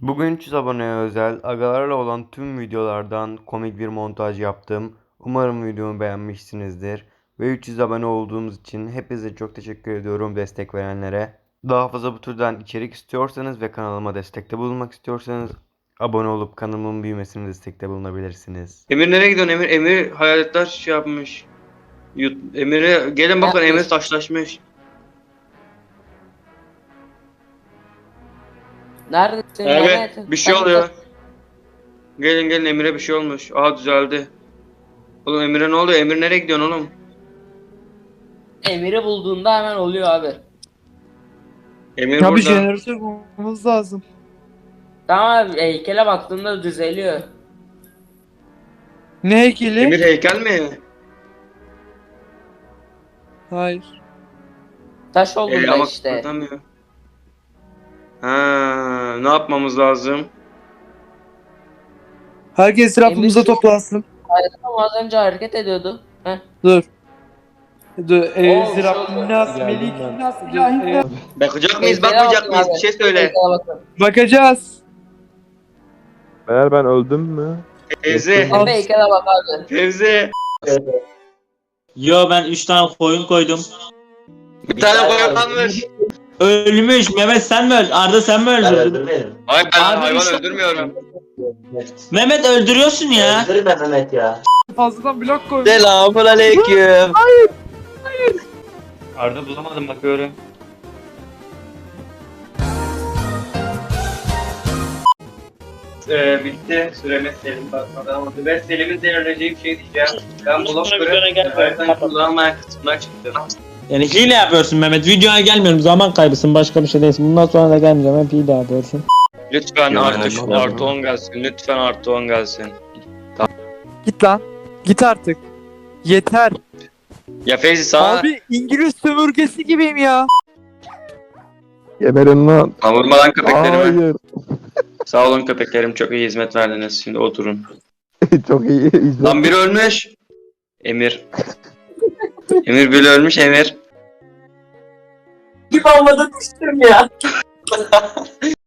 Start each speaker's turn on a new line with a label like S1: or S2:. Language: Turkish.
S1: Bugün 300 aboneye özel agalarla olan tüm videolardan komik bir montaj yaptım. Umarım videomu beğenmişsinizdir. Ve 300 abone olduğumuz için hepinize çok teşekkür ediyorum destek verenlere. Daha fazla bu türden içerik istiyorsanız ve kanalıma destekte bulunmak istiyorsanız abone olup kanalımın büyümesine destekte bulunabilirsiniz.
S2: Emir nereye gidiyorsun Emir? Emir hayaletler şey yapmış. Emir'e gelin bakın, Emir taşlaşmış.
S3: Neredesin?
S2: Abi
S3: Neredesin?
S2: bir şey oluyor. Gelin Emir'e bir şey olmuş. Aha düzeldi. Oğlum Emir'e ne oluyor? Emir nereye gidiyorsun oğlum?
S3: Emir'i bulduğunda hemen oluyor abi.
S2: Emir
S4: Ya bir
S2: burada.
S4: jeneratör bulmamız lazım.
S3: Tamam abi, heykele baktığında düzeliyor.
S4: Ne heykeli?
S2: Emir heykel mi?
S4: Hayır.
S3: Taş olduğunda
S2: Ama
S3: işte.
S2: kıpırdamıyor. Ha, ne yapmamız lazım?
S4: Herkes etrafımıza
S3: Emir-
S4: toplansın.
S3: Ama az önce hareket ediyordu. Heh.
S4: Dur. Dur.
S3: Oo,
S4: Zirabnas, Melik, Nas, İlahi.
S2: Bakacak mıyız,
S3: Heykele
S2: bakmayacak
S3: bakın
S2: mıyız?
S3: abi.
S2: Bir şey söyle.
S3: Heykele bakın.
S4: Bakacağız.
S5: Eğer ben öldüm mü?
S2: Fevzi.
S4: Al.
S3: Abi heykele bak abi.
S2: Fevzi.
S6: Yo ben 3 tane koyun koydum.
S2: Bir tane koyun kalmış.
S6: Ölmüş. Mehmet sen mi öldün? Arda sen mi öldürdün?
S2: Hayır, ben
S6: Abi
S2: hayvan
S6: işte-
S2: öldürmüyorum.
S6: Mehmet öldürüyorsun ya.
S7: Öldürme Mehmet ya.
S4: Fazladan blok koy.
S2: Selamun aleyküm. Arda bulamadım, bakıyorum. Bitti. Süremiz Selim bakmadan ama ben Selim'in zehirleyeceği bir şey diyeceğim. Ben blokları hayattan kullanmayan kısımdan çıktım.
S6: Yani hile yapıyorsun Mehmet. Videoya gelmiyorum. Zaman kaybısın. Başka bir şey değilsin. Bundan sonra da gelmeyeceğim. Hep hile yapıyorsun.
S2: Lütfen artı 10 gelsin. Lütfen artı 10 gelsin.
S4: Git lan. Git artık. Yeter.
S2: Ya Feyzi sana
S4: Abi İngiliz sömürgesi gibiyim ya.
S5: Geberin lan.
S2: vurmadan köpeklerime.
S5: Hayır.
S2: Sağ olun köpeklerim, çok iyi hizmet verdiniz. Şimdi oturun.
S5: Çok iyi. İzle.
S2: Lan biri ölmüş. Emir. Emir biri ölmüş, Emir.
S3: Kim olmadı düştüm ya.